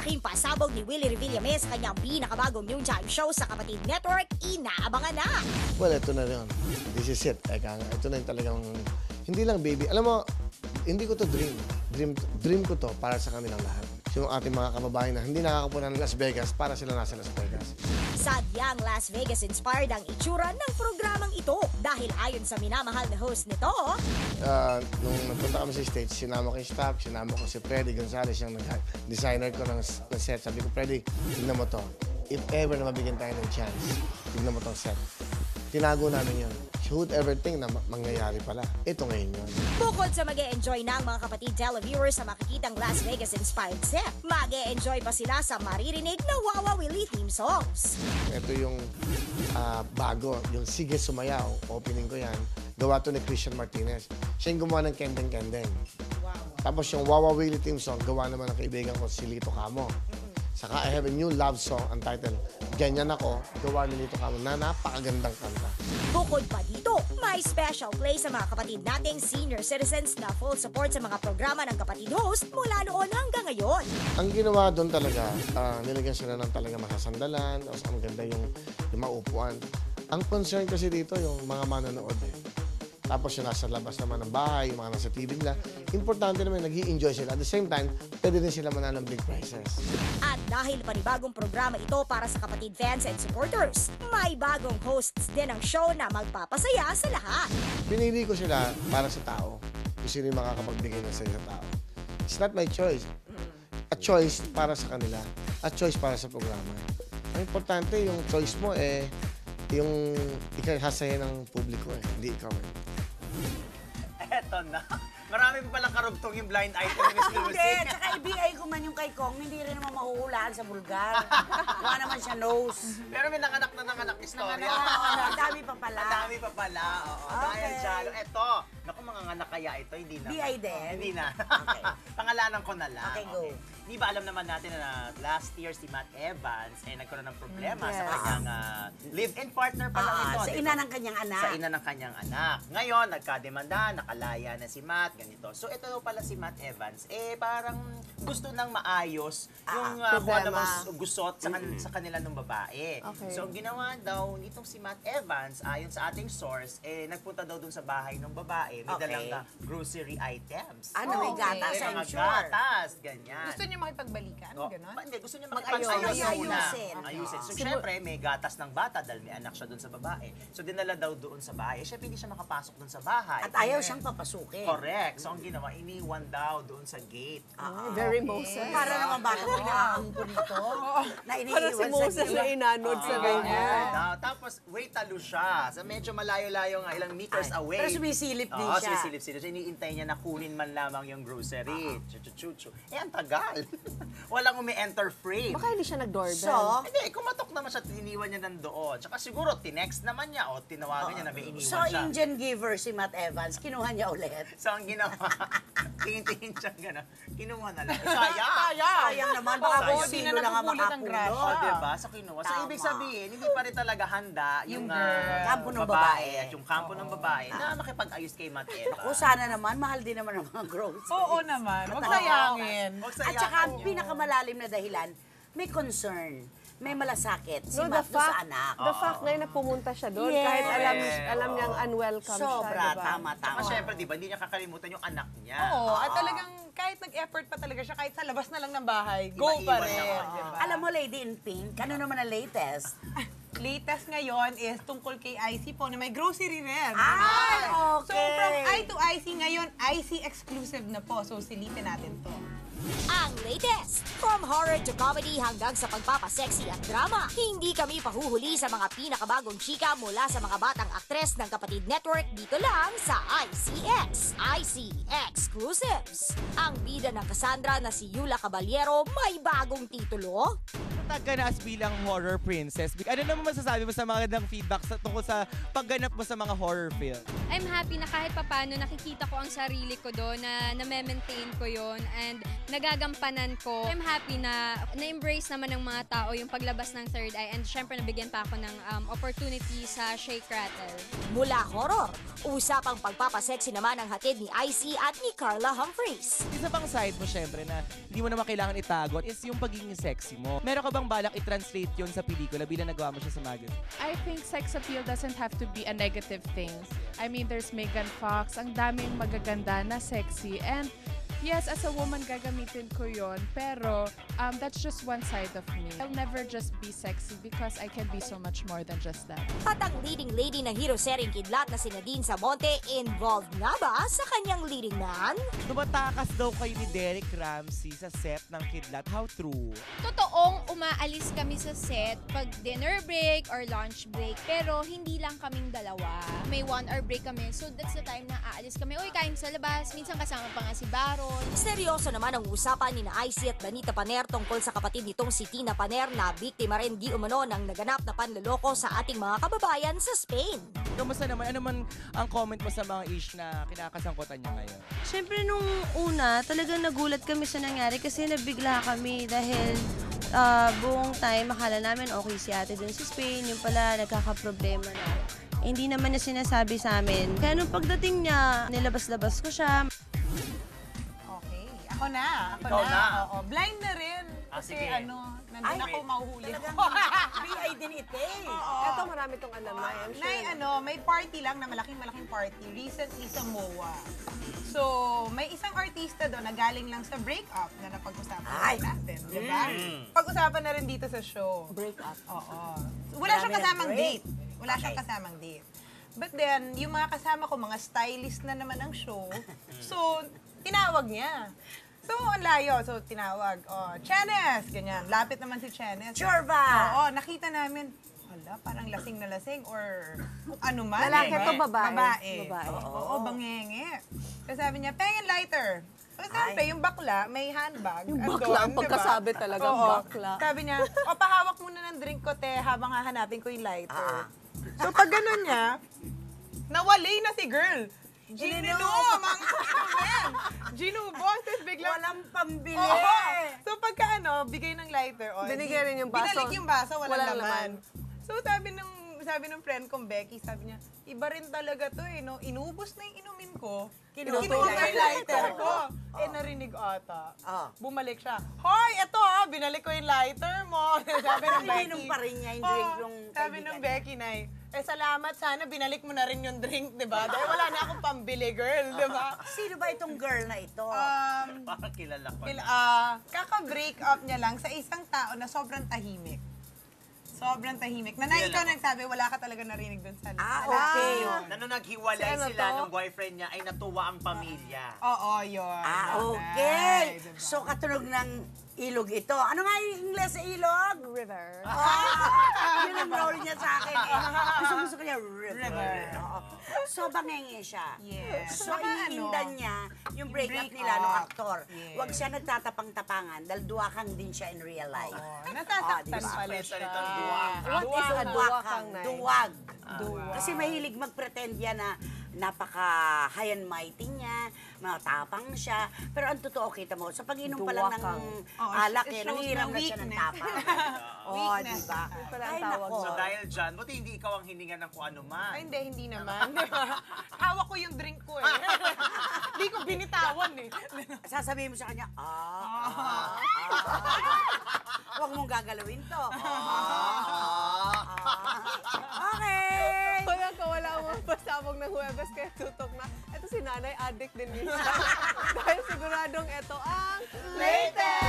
Malaking pasabog ni Willie Revillame sa kanyang pinakabagong noontime show sa Kapatid Network, inaabangan na. Well, ito na rin. This is it. Ito na yung talagang, hindi lang baby. Alam mo, hindi ko to dream. Dream ko to para sa kanilang lahat. Yung ating mga kababayan na hindi nakakapunta ng Las Vegas para sila nasa Las Vegas. Sadyang Las Vegas-inspired ang itsura ng programang ito dahil ayon sa minamahal na host nito, Nung nagpunta kami sa stage, sinama ko yung staff, sinama ko si Freddy Gonzalez, yung designer ko ng set. Sabi ko, Freddy, tignan mo to. If ever na mabigyan tayo ng chance, tignan mo tong set. Tinago namin yun. Whoever think na mangyayari pala. Ito ngayon yun. bukod sa mag-e-enjoy ng mga kapatid televiewers sa makikitang Las Vegas-inspired set, mag-e-enjoy pa sila sa maririnig na Wawa Willie theme songs. Ito yung bago, yung Sige Sumayaw, opening ko yan. Gawa to ni Christian Martinez. Siya yung gumawa ng Kendeng Kendeng. Tapos yung Wawa Willie theme song, gawa naman ng kaibigan ko si Lito Camo. Saka I have a new love song, ang title, Ganyan Ako, gawa ni Lito Camo na napakagandang kanta. Bukod pa dito, may special play sa mga kapatid nating senior citizens na full support sa mga programa ng kapatid host mula noon hanggang ngayon. Ang ginawa doon talaga, nilagyan sila ng talaga masasandalan, tapos ang ganda yung maupuan. Ang concern kasi dito yung mga manonood Tapos yung nasa labas naman ng bahay, yung mga nasa TV nila. Importante naman, nag-i-enjoy sila. At the same time, pwede din sila manalo ng big prizes. At dahil panibagong programa ito para sa kapatid fans and supporters, may bagong hosts din ang show na magpapasaya sa lahat. Pinili ko sila para sa tao. Kung sino yung makakapagbigay ng saya sa tao. It's not my choice. A choice para sa kanila. A choice para sa programa. Ang importante, yung choice mo yung ikahasaya ng publiko hindi ikaw Eto na. Marami pa palang karugtong yung blind item ni Miss Lucy. Hindi, tsaka i-BI ko man yung kay Kong, hindi rin naman mahuhulaan sa vulgar. Mukha naman siya nose. Pero may nanganak istorya. Ang dami pa pala. Ang dami pa pala. Oo. Dahil dyan. Eto. Naku, mga nganak kaya ito. Hindi na. BI din? Hindi na. Okay. Pangalanan ko na lang. Okay, go. Di ba alam naman natin na last year si Matt Evans nagkaroon ng problema sa kanyang live-in partner pa lang ito. Sa ina ng kanyang anak. Sa ina ng kanyang anak. Ngayon, nagkademanda, nakalaya na si Matt, ganito. So, ito pala si Matt Evans, parang gusto nang maayos yung kung ano mang gusot sa kanila ng babae. Okay. So, ang ginawa daw nitong si Matt Evans, ayon sa ating source, nagpunta daw dun sa bahay ng babae, may dalang grocery items. Ano, may gatas, May I'm mga sure. gatas, ganyan. Gusto niyo makipagbalikan? Ganon? Hindi, gusto niya Ayusin. Ayusin. So, syempre, may gatas ng bata dahil may anak siya doon sa babae. So, dinala daw doon sa bahay. Syempre, hindi siya makapasok doon sa bahay. At ayaw siyang papasukin. Correct. So, ang ginawa, iniwan daw doon sa gate. Very Moses. Para naman baka pinaampun ito. Na Para si iniiwan Moses sa na inanod sa ganyan. Tapos, wait, talo siya. So, medyo malayo-layo nga, ilang meters away. Pero sumisilip din Oo, siya. sumisilip-silip. So, iniintay niya na kunin man lamang yung grocery. Chuchu-chuchu. Ang tagal. Walang umi-enter frame. Baka hindi siya nag-doorbell. So, Hindi, kumatok naman siya, iniwan niya nandoon. Tsaka siguro, tinext naman niya o tinawagan niya na may iniwan so siya. Indian giver si Matt Evans, kinuha niya ulit. So, ang ginawa, tingin-tingin siya gano'n. Kinuha na lang. Sayang! Sayang naman, baka Sayang. kung sino lang ang Nakapulot ang grasya. O, diba? So, kinuha. So, Tama. ibig sabihin, hindi pa rin talaga handa yung kampo ng babae. at yung kampo ng babae na makipag-ayos kay Matt Eva. Kung sana naman, mahal din naman ang mga groceries. Oo naman. Huwag sayangin. Huwag At sayangin saka ang yun. pinakamalalim na dahilan, may concern, may malasakit si No, Matt doon sa anak. The fact ngayon na pumunta siya doon, Yes. kahit alam niyang unwelcome Sobra, siya, diba? tama. Saka syempre, di ba, hindi niya kakalimutan yung anak niya. Oo, at talagang kahit nag-effort pa talaga siya, kahit sa labas na lang ng bahay, go Iba-iwan pa rin. siya. Diba? Alam mo, Lady in Pink, ano naman ang latest? Latest ngayon is tungkol kay IC po na may grocery rin. Ay, okay. So from I to IC ngayon, IC exclusive na po. So silipin natin to. Ang latest, from horror to comedy hanggang sa pagpapasexy at drama, hindi kami pahuhuli sa mga pinakabagong chika mula sa mga batang aktres ng Kapatid Network dito lang sa ICX, IC Exclusives. Ang bida ng Cassandra na si Yula Caballero may bagong titulo. Tag ka na as bilang horror princess. Ano naman masasabi mo sa mga gandang feedback tungkol sa pagganap mo sa mga horror film? I'm happy na kahit papano nakikita ko ang sarili ko doon, na na-maintain ko yon and nagagampanan ko. I'm happy na na-embrace naman ng mga tao yung paglabas ng Third Eye, and syempre nabigyan pa ako ng opportunity sa Shake Rattle. Mula horror, usapang pagpapasexy pagpapasexy naman ang hatid ni IC at ni Carla Humphries. Isa pang side mo syempre na hindi mo naman kailangan itago is yung pagiging sexy mo. Meron ka bang balak i-translate yun sa pelikula bilang nagawa mo siya sa magazine? I think sex appeal doesn't have to be a negative thing. I mean, there's Megan Fox, ang daming magaganda na sexy, and yes, as a woman, gagamitin ko yon. Pero that's just one side of me. I'll never just be sexy because I can be so much more than just that. At ang leading lady na hero sering kidlat na si Nadine Samonte, involved nga ba sa kanyang leading man? Tumatakas daw kayo ni Derek Ramsey sa set ng Kidlat. How true? Totoong umaalis kami sa set pag dinner break or lunch break, pero hindi lang kaming dalawa. May 1 hour break kami, so that's the time na aalis kami. Uy, kain sa labas. Minsan kasama pa nga si Baron. Seryoso naman ang usapan ni na IC at Danita Paner tungkol sa kapatid nitong si Tina Paner na biktima rin di umano ng naganap na panloloko sa ating mga kababayan sa Spain. Kamusta naman? Ano man ang comment mo sa mga ish na kinakasangkutan niya ngayon? Siyempre nung una, talagang nagulat kami sa nangyari kasi nabigla kami dahil buong time akala namin okay si ate dun sa Spain, yung pala nagkakaproblema na. Hindi naman niya sinasabi sa amin. Kaya nung pagdating niya, nilabas-labas ko siya. Okay. Ako na. Ikaw na. Oo. Blind na rin. Kasi sige. nandun ako, mahuhuli ako. PI din ito eh. Ito, marami tong alam na yan. may party lang na malaking party. Recently sa MOA. So, may isang artista doon na galing lang sa breakup na napag-usapan natin. Diba? Pag-usapan na rin dito sa show. Breakup. Oo. Wala siyang kasamang date. Wala siyang kasamang date. But then, yung mga kasama ko, mga stylist na naman ang show. So, tinawag niya. So, ang layo. So, tinawag. Oh, Chenes! Ganyan. Lapit naman si Chenes. Sure ba? Oo, nakita namin, hala, parang lasing na lasing or kung ano man. Lalaki eh. to, babae? Babae. Babae. Oo, bangenge. So, sabi niya, pengen lighter. So, siyempre, yung bakla, may handbag. Yung Andun, bakla, ang diba? pagkasabi talaga, Oo. bakla. Sabi niya, pahawak muna ng drink ko, te, habang hahanapin ko yung lighter. So, pag gano'n niya, nawali na si girl. Ginubo, mga men. Ginubo, tapos biglang... Walang pambili. Oo. So, pagka bigay ng lighter, Binigay rin yung baso. Binalik yung baso, walang Walang laman. So, sabi ng friend kong Becky, sabi niya, iba rin talaga to eh, no? Inubos na yung inumin ko. Kinuha ko yung lighter ko. Eh, narinig ata. Bumalik siya. Hoy, eto binalik ko yung lighter mo. Sabi ng Becky. Ininom pa rin niya yung drink yung Sabi ng Becky na salamat, sana binalik mo na rin yung drink, di ba? Dahil wala na akong pambili, girl, di ba? Sino ba itong girl na ito? Parang kilala ko. Kaka-break up niya lang sa isang tao na sobrang tahimik. Sobrang tahimik. Na ikaw nagsabi, wala ka talaga narinig dun sa Okay. Na nung naghiwalay sila nung boyfriend niya, ay natuwa ang pamilya. Oo, yun. Okay. So, katunog ng ilog ito. Ano nga yung Ingles sa ilog? River. Yun ang role niya sa akin eh. Gusto ko niya, river. Oo. So, bangenge siya. Yes. So, Saka iniindan niya yung breakup nila ng aktor. Huwag siya nagtatapang-tapangan dahil duwakang din siya in real life. Nasasaktan diba? pala siya. What is a duwakang night? Duwag. Kasi mahilig mag-pretend yan na napaka-high and mighty niya, matapang siya. Pero ang totoo, kita mo, sa pag-inom pa lang ng alak, nangihiram na siya ng tapang. Oo, diba? Ay, nako. So dahil dyan, buti hindi ikaw ang hininga ng kung ano man. Ay, hindi naman. Hawak ko yung drink ko eh. Hindi ko binitawan eh. Sasabihin mo sa kanya, huwag mong gagalawin to. Okay. Kaya wala akong pasabog ng Huwebes kaya tutok na. Ito si nanay, addict din minsan. Dahil siguradong ito ang Latest!